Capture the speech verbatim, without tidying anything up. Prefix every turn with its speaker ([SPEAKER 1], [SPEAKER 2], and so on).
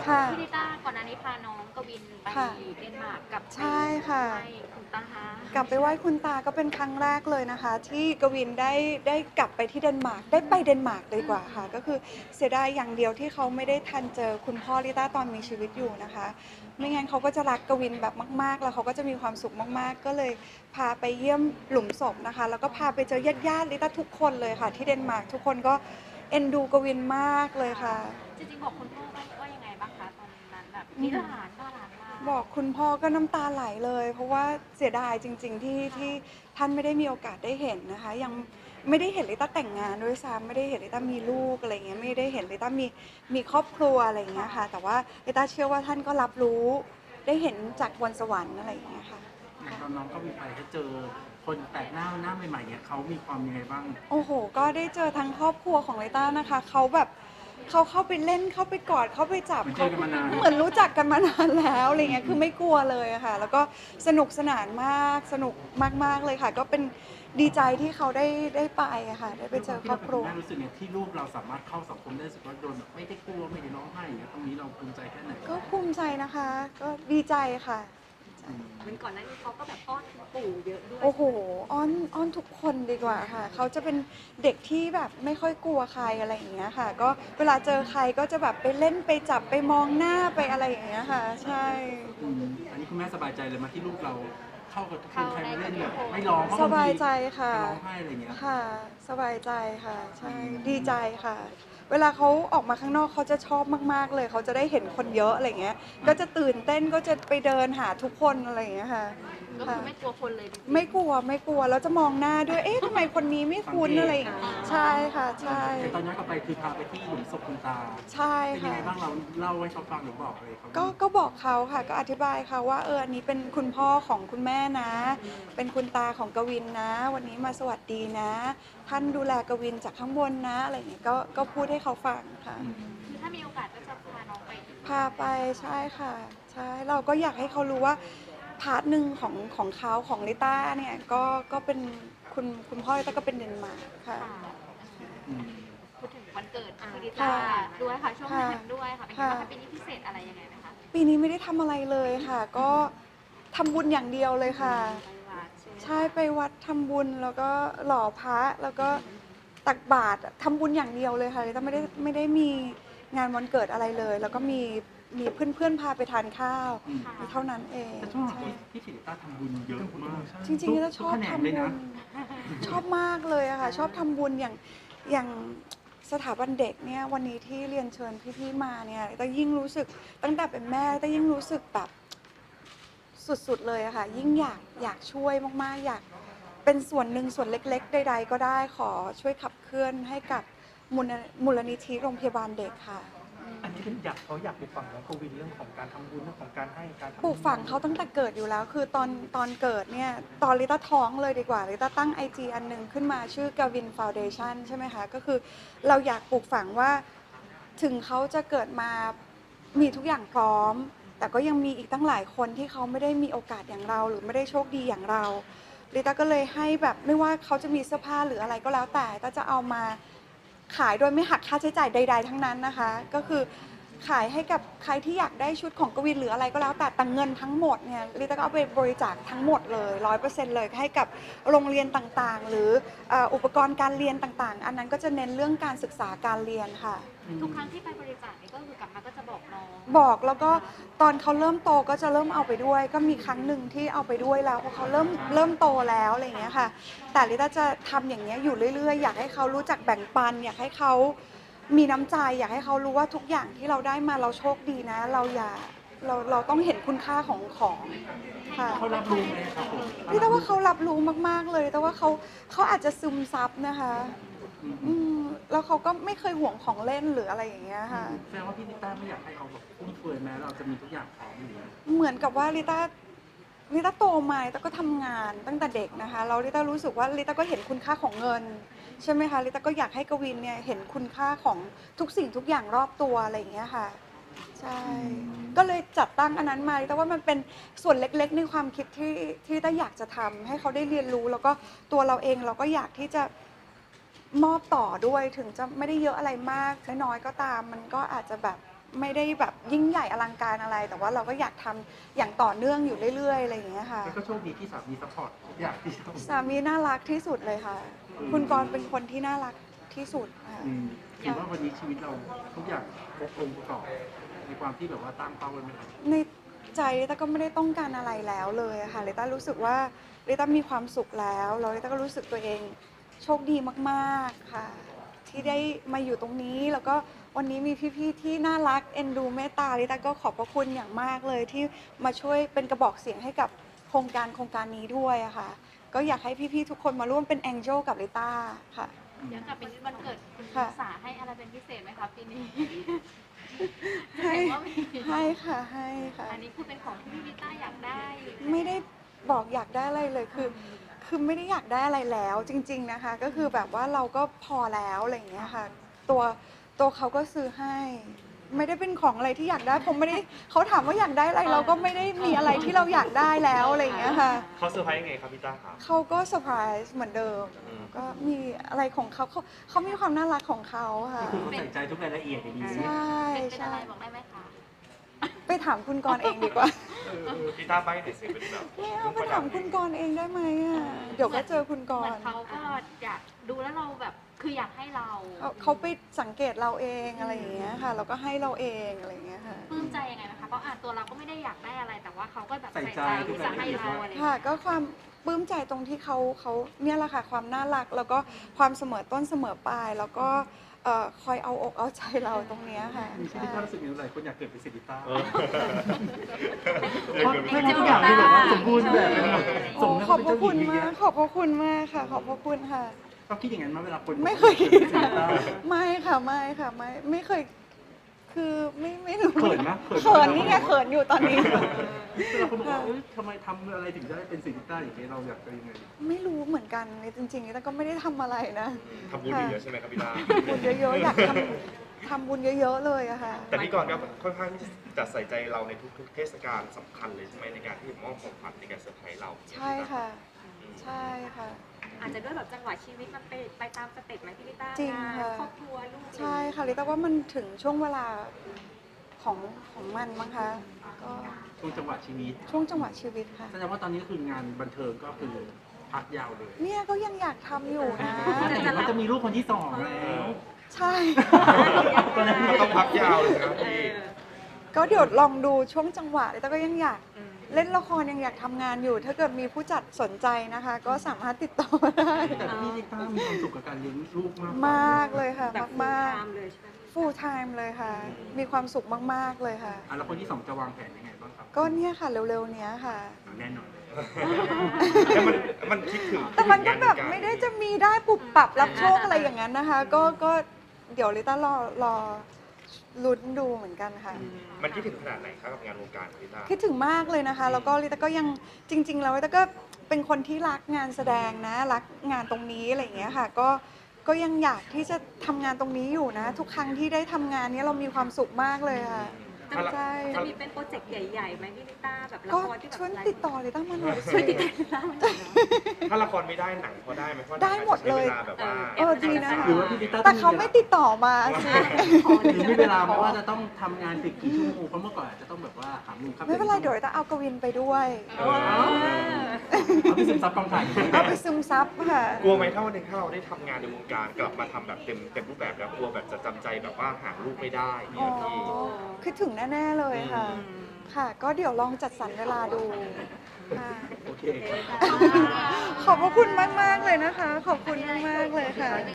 [SPEAKER 1] พี่ลิต้าก่อนหน้านี้พาน้องกวินไปเดนมาร์กกับ
[SPEAKER 2] ใช่ค่ะ
[SPEAKER 1] ไปคุณตาฮะ
[SPEAKER 2] กลับไปไหว้คุณตาก็เป็นครั้งแรกเลยนะคะที่กวินได้ได้กลับไปที่เดนมาร์กได้ไปเดนมาร์กเลยกว่าค่ะก็คือเสียดายอย่างเดียวที่เขาไม่ได้ทันเจอคุณพ่อลิต้าตอนมีชีวิตอยู่นะคะไม่งั้นเขาก็จะรักกวินแบบมากๆแล้วเขาก็จะมีความสุขมากๆก็เลยพาไปเยี่ยมหลุมศพนะคะแล้วก็พาไปเจอญาติๆลิต้าทุกคนเลยค่ะที่เดนมาร์กทุกคนก็เอ็นดูกวินมากเลยค่ะ
[SPEAKER 1] จริงๆบอกคุณพ่อว่าว่ายังไงบ้างคะตอนนั้นแบบมีหลานบ้าหลานมา
[SPEAKER 2] บอกคุณพ่อก็น้ำตาไหลเลยเพราะว่าเสียดายจริงๆที่ที่ท่านไม่ได้มีโอกาสได้เห็นนะคะยังไม่ได้เห็นลิต้าแต่งงานด้วยซ้ำไม่ได้เห็นลิต้ามีลูกอะไรเงี้ยไม่ได้เห็นลิต้ามีมีครอบครัวอะไรเงี้ยค่ะแต่ว่าลิต้าเชื่อว่าท่านก็รับรู้ได้เห็นจากบนสวรรค์อะไรอย่างเงี้ยค่ะ
[SPEAKER 3] ตอนน้องก็มีไปเขาเจอคนแปลกหน้าหน้าใหม่ๆเนี่ยเขามีความยังไงบ้าง
[SPEAKER 2] โอ้โหก็ได้เจอทั้งครอบครัวของลิต้านะคะเขาแบบเขาเข้าไปเล่นเข้าไปกอดเข้าไปจับเขาเหมือนรู้จักกันมานานแล้วอะไรเงี้ยคือไม่กลัวเลยค่ะแล้วก็สนุกสนานมากสนุกมากๆเลยค่ะก็เป็นดีใจที่เขาได้ได้ไปอะค่ะได้ไปเจอครอบครัว
[SPEAKER 3] แม่รู้สึกเนี่ยที่ลูกเราสามารถเข้าสังคมได้รู้สึกว่าโดนแบบไม่ได้กลัวไม่ได้ร้องไห้อย่างเงี้ยตรงนี้เราภูมิใจแค่ไหน
[SPEAKER 2] ก็ภูมิใจนะคะก็ดีใจค่ะ
[SPEAKER 1] เหมือนก่อนหน้านี้เขาก็แบบอ้อนคุณปู่เยอะด้วย
[SPEAKER 2] โอ้โหอ้อนอ้อนทุกคนดีกว่าค่ะเขาจะเป็นเด็กที่แบบไม่ค่อยกลัวใครอะไรอย่างเงี้ยค่ะก็เวลาเจอใครก็จะแบบไปเล่นไปจับไปมองหน้าไปอะไรอย่างเงี้ยค่ะใช่
[SPEAKER 3] อันนี้คุณแม่สบายใจเลยมาที่ลูกเราเข้ากับทุกคนใครมาเล่นแบบไม่ร้อง
[SPEAKER 2] สบายใจค่ะ
[SPEAKER 3] ร้องไห้อะไรเงี้ย
[SPEAKER 2] ค่ะสบายใจค่ะใช่ดีใจค่ะ เวลาเขาออกมาข้างนอกเขาจะชอบมากๆเลยเขาจะได้เห็นคนเยอะอะไรเงี้ยก็จะตื่นเต้นก็จะไปเดินหาทุกคนอะไรอย่างเงี้ยค่ะ
[SPEAKER 1] ก็คือไม่กลัวคนเลย
[SPEAKER 2] ไม่กลัวไม่กลัวแล้วจะมองหน้าด้วยเอ๊ะทำไมคนนี้ไม่คุ้นอะไรอย่างเงี้ยใช่ค่ะใช่
[SPEAKER 3] ตอนย้อนกลับไปคือพาไปที่หลุมศพคุณตา
[SPEAKER 2] ใช่
[SPEAKER 3] เป็นยัง
[SPEAKER 2] ค่ะ
[SPEAKER 3] ไงบ้างเราเล่าให้เขาฟังหรือบอกอะไรเขา
[SPEAKER 2] ก็ก็บอกเขาค่ะก็อธิบายเขาว่าเอออันนี้เป็นคุณพ่อของคุณแม่นะ เป็นคุณตาของกวินนะ วันนี้มาสวัสดีนะ ท่านดูแลกวินจากข้างบนนะอะไรอย่างเงี้ยก็ก็พูดให้เขาฟังค่ะ
[SPEAKER 1] คือถ้ามีโอกาสก็จะพาน้องไป
[SPEAKER 2] พาไปใช่ค่ะใช่เราก็อยากให้เขารู้ว่าพาร์ทหนึ่งของของเขาของลิต้าเนี่ยก็ก็เป็นคุณคุณพ่อลิต้าก็เป็นเดนมาร์กค่ะ
[SPEAKER 1] พูดถึงวันเกิดคุณลิต้าด้วยค่ะช่วงนั้นด้วยค่ะเป็นไงบ้างคะปีนี้พิเศษอะไรยังไงไหมคะ
[SPEAKER 2] ปีนี้ไม่ได้ทำอะไรเลยค่ะ ก็ทำบุญอย่างเดียวเลยค่ะใช่ไปวัดทำบุญแล้วก็หล่อพระแล้วก็ตักบาตรทำบุญอย่างเดียวเลยค่ะลิต้าไม่ได้ไม่ได้มีงานวันเกิดอะไรเลย แล้วก็มีมีเพื่อนๆพาไปทานข้าวเท่านั้นเอง
[SPEAKER 3] แต่ช่วงหลังพี่ศิริต้าทำบุญเยอะมาก
[SPEAKER 2] จริงๆแล้วชอบทำบุญชอบมากเลยอะค่ะชอบทำบุญอย่างอย่างสถาบันเด็กเนี่ยวันนี้ที่เรียนเชิญพี่ๆมาเนี่ยแต่ยิ่งรู้สึกตั้งแต่เป็นแม่แต่ยิ่งรู้สึกแบบสุดๆเลยอะค่ะยิ่งอยากอยากช่วยมากๆอยากเป็นส่วนหนึ่งส่วนเล็กๆใดๆก็ได้ขอช่วยขับเคลื่อนให้กับมูลนิธิโรงพยาบาลเด็กค่ะ
[SPEAKER 4] อันนี้อยากเขาอยากปลูกฝังน้องกวินเรื่องของการทำบุญเรื่องของการให้การ
[SPEAKER 2] ปลูกฝังเขาตั้งแต่เกิดอยู่แล้วคือตอนตอนเกิดเนี่ยตอนลิต้าท้องเลยดีกว่าลิต้าตั้ง ไอ จี อันหนึ่งขึ้นมาชื่อกวินฟาวเดชั่นใช่ไหมคะก็คือเราอยากปลูกฝังว่าถึงเขาจะเกิดมามีทุกอย่างพร้อมแต่ก็ยังมีอีกตั้งหลายคนที่เขาไม่ได้มีโอกาสอย่างเราหรือไม่ได้โชคดีอย่างเราลิต้าก็เลยให้แบบไม่ว่าเขาจะมีเสื้อผ้าหรืออะไรก็แล้วแต่ก็จะเอามาขายโดยไม่หักค่าใช้จ่ายใดๆทั้งนั้นนะคะก็คือขายให้กับใครที่อยากได้ชุดของกวินหรืออะไรก็แล้วแต่แต่เงินทั้งหมดเนี่ยลิต้าก็เอาไปบริจาคทั้งหมดเลยร้อยเปอร์เซ็นต์เลยให้กับโรงเรียนต่างๆหรืออุปกรณ์การเรียนต่างๆอันนั้นก็จะเน้นเรื่องการศึกษาการเรียนค่ะ
[SPEAKER 1] ทุกครั้งที่ไปบริจาคนี่ก็คือกลับมาก็จะบอกน้อง
[SPEAKER 2] บอกแล้วก็ตอนเขาเริ่มโตก็จะเริ่มเอาไปด้วยก็มีครั้งหนึ่งที่เอาไปด้วยแล้วเพราะเขาเริ่มเริ่มโตแล้วอะไรอย่างเงี้ยค่ะแต่ลิต้าจะทำอย่างเงี้ยอยู่เรื่อยๆอยากให้เขารู้จักแบ่งปันอยากให้เขามีน้ำใจอยากให้เขารู้ว่าทุกอย่างที่เราได้มาเราโชคดีนะเราอย่าเราเราต้องเห็นคุณค่าของของ
[SPEAKER 3] ค่ะเขารับรู้ไหมครับ
[SPEAKER 2] ลิต้าว่าเขารับรู้มากๆเลยแต่ว่าเขาเขาอาจจะซึมซับนะคะอืมแล้วเขาก็ไม่เคยห่วงของเล่นหรืออะไรอย่างเงี้ยค่ะ
[SPEAKER 3] แสดงว่าพี่ลิต้าไม่อยากให้เขาแบบฟุ่มเฟือยแม้เราจะมีทุกอย่างพร้อมอยู่
[SPEAKER 2] เหมือนกับว่าลิต้าลิต้าโตมาลิต้าก็ทำงานตั้งแต่เด็กนะคะแล้วลิต้ารู้สึกว่าลิต้าก็เห็นคุณค่าของเงินใช่ไหมคะลิต้าก็อยากให้กวินเนี่ยเห็นคุณค่าของทุกสิ่งทุกอย่างรอบตัวอะไรอย่างเงี้ยค่ะใช่ก็เลยจัดตั้งอันนั้นมาลิต้าว่ามันเป็นส่วนเล็กๆในความคิดที่ที่ลิต้าอยากจะทำให้เขาได้เรียนรู้แล้วก็ตัวเราเองเราก็อยากที่จะมอบต่อด้วยถึงจะไม่ได้เยอะอะไรมากน้อยๆก็ตามมันก็อาจจะแบบไม่ได้แบบยิ่งใหญ่อลังการอะไร แต่ว่าเราก็อยากทำอย่างต่อเนื่องอยู่เรื่อยๆอะไรอย่างเงี้ยค่ะ
[SPEAKER 3] แล้วก็โชคดีที่สามีซัพพอร์ตทุกอย่างที่ทำ
[SPEAKER 2] สามีน่ารักที่สุดเลยค่ะ คุณกรณ์เป็นคนที่น่ารักที่สุดค่ะ
[SPEAKER 3] อืมถือว่าวันนี้ชีวิตเราทุกอย่างครบองค์ประกอบในความที่แบบว่าตั้งเป้าไว้ไหมครับ
[SPEAKER 2] ในใจลิต้าก็ไม่ได้ต้องการอะไรแล้วเลยอะค่ะลิต้ารู้สึกว่าลิต้ามีความสุขแล้วแล้วลิต้าก็รู้สึกตัวเองโชคดีมากๆค่ะ ที่ได้มาอยู่ตรงนี้แล้วก็วันนี้มีพี่ๆที่น่ารักเอ็นดูเมตตาลิต้าก็ขอบพระคุณอย่างมากเลยที่มาช่วยเป็นกระบอกเสียงให้กับโครงการโครงการนี้ด้วยอะค่ะก็อยากให้พี่ๆทุกคนมาร่วมเป็นแองเจิลกับลิต้าค่ะ
[SPEAKER 1] เดี๋ยวกลับไปที่วันเกิดคุณ
[SPEAKER 2] ค่ะ
[SPEAKER 1] สาให้อะไรเป็นพิเศษไหมคะปีนี้
[SPEAKER 2] ให้
[SPEAKER 1] เห็นว่ามี
[SPEAKER 2] ให้ค่ะให้ค่ะ
[SPEAKER 1] อันนี้คือเป็นของที่พี่ลิต้าอยากได้
[SPEAKER 2] ไม่ได้บอกอยากได้อะไรเลยคือ คือไม่ได้อยากได้อะไรแล้วจริง ๆนะคะ ก็คือแบบว่าเราก็พอแล้วอะไรอย่างเงี้ยค่ะ ตัวตัวเขาก็ซื้อให้ ไม่ได้เป็นของอะไรที่อยากได้ผมไม่ได้เขาถามว่าอยากได้อะไรเราก็ไม่ได้มีอะไรที่เราอยากได้แล้วอะไรอย่างเงี้ยค่ะ
[SPEAKER 5] เขาเซอร์ไพรส์ยังไงครับพี่ต้าครับ
[SPEAKER 2] เขาก็เซอร์ไพรส์เหมือนเดิม
[SPEAKER 5] อืม
[SPEAKER 2] ก็มีอะไรของเขาเขาเขามีความน่ารักของเขาค่ะ
[SPEAKER 3] คือเขาใส่ใจทุกรายละเอียดอย่างนี้
[SPEAKER 2] ใช่
[SPEAKER 1] เป็นเป็น
[SPEAKER 2] ใช่
[SPEAKER 1] อะไรบอกได้ไหมคะ
[SPEAKER 2] ไปถามคุณกรณ์เองดีกว่า
[SPEAKER 5] พี่ต้าไปหน่อยสิเป็นแบบ
[SPEAKER 2] ไม่เอาไปถามคุณกรณ์เองได้ไหมอ่ะเดี๋ยวก็เจอคุณก
[SPEAKER 1] เหมื
[SPEAKER 2] ร
[SPEAKER 1] อน
[SPEAKER 2] ณ์
[SPEAKER 1] เขาก็อยากดูแล้วเราแบบคืออยากให้เรา
[SPEAKER 2] เขาเขาไปสังเกตเราเองอะไรอย่างเงี้ยค่ะเราก็ให้เราเองอะไรอย่างเงี้ยค่ะ
[SPEAKER 1] ปลื้มใจยังไงนะคะเพราะอ่านตัวเราก็ไม่ได้อยากได้อะไร แต่ว่าเขาก็แบบ
[SPEAKER 3] ใส่
[SPEAKER 1] ใส่
[SPEAKER 3] ใจ
[SPEAKER 1] ใจ
[SPEAKER 3] ทุก
[SPEAKER 1] ที่
[SPEAKER 3] รา
[SPEAKER 1] จะ
[SPEAKER 3] ยละ
[SPEAKER 1] ให้
[SPEAKER 3] เอียด
[SPEAKER 1] เรา
[SPEAKER 3] ว่า
[SPEAKER 1] อะไรอย่าง
[SPEAKER 2] ค่ะ
[SPEAKER 1] เงี้ย
[SPEAKER 2] ก็ความปลื้มใจตรงที่เขาเขาเนี่ยแหละค่ะความน่ารักแล้วก็ความเสมอต้นเสมอปลายแล้วก็เอ่อคอยเอาอกเอาใจเราตรงเนี้ยค่ะ
[SPEAKER 3] มีชี
[SPEAKER 2] ใช่
[SPEAKER 3] วิตที่รู้สึกอย่างไรคนอยากเกิดเป็นสิริต้า
[SPEAKER 5] เออ
[SPEAKER 3] เพราะให้ทุกอย่างคือแบบว่าสมบูรณ์แบบไปหมด
[SPEAKER 2] โอ้
[SPEAKER 3] สม
[SPEAKER 2] ขอบพระคุณ
[SPEAKER 3] เจ้าหญิง
[SPEAKER 2] มากขอบพระคุณมากค่ะ ขอบพระคุณค่ะ
[SPEAKER 3] ก็คิดอย่างนั้นมาเวลาคน
[SPEAKER 2] ไม่เคย
[SPEAKER 3] กิดเป็นสิริต้า
[SPEAKER 2] ไม่ค่ะไม่ค่ะไม่ไม่เคยคือไม่ไม่รู้
[SPEAKER 3] เขินไหม
[SPEAKER 2] เขินนี่ไงเขินอยู่ตอนนี้
[SPEAKER 3] เวลาคนบอกว่าเอ้ยทำไมทำอะไรถึงได้เป็นสิริต้าอย่างนี้เราอยากจะยังไง
[SPEAKER 2] ไม่รู้เหมือนกันเลยจริงๆแต่ก็ไม่ได้ทำอะไรนะ
[SPEAKER 5] ทำบุญเยอะๆใช่ไหมครับพี่ต้า
[SPEAKER 2] บุญเยอะๆอยากทำทำบุญเยอะๆเลยอะค่ะ
[SPEAKER 5] แต่พี่กรณ์ก็ค่อนข้างที่จะใส่ใจเราในทุกๆเทศกาลสำคัญเลยใช่ไหมในการที่มอบของขวัญในการเซอร์ไพรส์เรา
[SPEAKER 2] ใช่ค่ะ ใช่ค่ะ
[SPEAKER 1] อาจจะด้วยแบบจังหวะชีวิตมันไปไปตามสเต็ปไหมพี่ลิต้า
[SPEAKER 2] จริง
[SPEAKER 1] งาน
[SPEAKER 2] ค่ะ
[SPEAKER 1] ครอบครัวลูก
[SPEAKER 2] ใช่ค่ะลิต้าว่ามันถึงช่วงเวลาของของมันมั้งคะก็
[SPEAKER 3] ช่วงจังหวะชีวิต
[SPEAKER 2] ช่วงจังหวะชีวิตค่ะ
[SPEAKER 3] แสดงว่าตอนนี้คืองานบันเทิงก็คือพักยาวเลย
[SPEAKER 2] เนี่ยก็ยังอยากทำอยู่นะ
[SPEAKER 3] แต่เห็นว่าจะมีลูกคนที่สองแล้ว
[SPEAKER 2] ใช่
[SPEAKER 3] ตอนนั้น
[SPEAKER 5] ก็ต้องพักยาวเลยนะครับพี่
[SPEAKER 2] ก็เดี๋ยวลองดูช่วงจังหวะลิต้าก็ยังอยากเล่นละครยังอยากทำงานอยู่ ถ้าเกิดมีผู้จัดสนใจนะคะ ก็สามารถติดต่อมาได้
[SPEAKER 3] แต่พี่ลิต้ามีความสุขกับการเลี้ยงลูกมาก
[SPEAKER 2] มากเลยค่ะ
[SPEAKER 1] แบบ
[SPEAKER 2] มาก
[SPEAKER 1] ตามเลยใช่ไหม
[SPEAKER 2] ๆ full time เลยค่ะ มีความสุขมากๆเลยค่ะ
[SPEAKER 3] อ่ะแล้วคนที่สองจะวางแผนยังไงบ้างครับ
[SPEAKER 2] ก็เนี่ยค่ะเร็วๆเนี้ยค่ะ
[SPEAKER 3] แน่นอนเลย
[SPEAKER 5] แล้วมันมันคิดถึง
[SPEAKER 2] แต่มันก็แบบ
[SPEAKER 5] คิดถึงงาน
[SPEAKER 2] ไม่ได้จะมีได้ปุบปรับรับโชคอะไรอย่างนั้นนะคะ ก็ก็เดี๋ยวลิต้ารอรอลุ้นดูเหมือนกันค่ะ
[SPEAKER 5] มันคิดถึงขนาดไหนครับกับงานวงการของพี่ต้า
[SPEAKER 2] คิดถึงมากเลยนะคะ แล้วก็ลิต้าก็ยังจริง ๆ แล้วลิต้าก็เป็นคนที่รักงานแสดงนะ รักงานตรงนี้อะไรอย่างเงี้ยค่ะ ก็ก็ยังอยากที่จะทำงานตรงนี้อยู่นะ ทุกครั้งที่ได้ทำงานเนี้ยเรามีความสุขมากเลยค่ะ
[SPEAKER 5] ถ้าเรา
[SPEAKER 2] ใช่
[SPEAKER 1] จะมีเป็นโปรเจกต์ใหญ่ๆไหมพี่ลิต้าแบบละ
[SPEAKER 2] ก็
[SPEAKER 1] ครที่แบบ
[SPEAKER 2] ช่วยติดต่อลิต้ามาหน่อย
[SPEAKER 1] ช่วย
[SPEAKER 2] สิ
[SPEAKER 1] ติดต่อลิต้ามาหน่อยเนาะ
[SPEAKER 5] ถ้าละครไม่ได้หนังพอได้ไหมเพราะ
[SPEAKER 2] ได้หมดเลย
[SPEAKER 5] ใช้เวลาแบบว่า
[SPEAKER 2] เออดีนะคะ
[SPEAKER 3] หรือว่าพี่ลิต้า
[SPEAKER 2] แต่เขาไม่ติดต่อมาสิ
[SPEAKER 3] หรือมีเวลาเพราะว่าจะต้องทำงานติดกี่ชั่วโมงเพราะเมื่อก่อนอาจจะต้องแบบว่าหามุมครับ
[SPEAKER 2] ไม่เป็นไรเดี๋ยวลิต้าเอากวินไปด้วย
[SPEAKER 5] เออ
[SPEAKER 3] เอาไปซึมซับกองถ่าย
[SPEAKER 2] เอาไปซึมซับค่ะ
[SPEAKER 5] กลัวไหมถ้าวันหนึงถ้าเราได้ทำงานในวงการกลับมาทำแบบเต็มเต็มรูปแบบแล้วกลัวแบบจะจำใจแบบว่าหาลูกไม่ได้เนี่
[SPEAKER 2] อ๋
[SPEAKER 5] ย
[SPEAKER 2] อ
[SPEAKER 5] พี่
[SPEAKER 2] คิดถึงแน่ ๆ เลยค่ะ ค่ะ ก็เดี๋ยวลองจัดสรรเวลาดูค่ะ
[SPEAKER 3] โอเคครับ
[SPEAKER 2] ขอบพระคุณมาก ๆ เลยนะคะ ขอบคุณมาก ๆ เลยค่ะ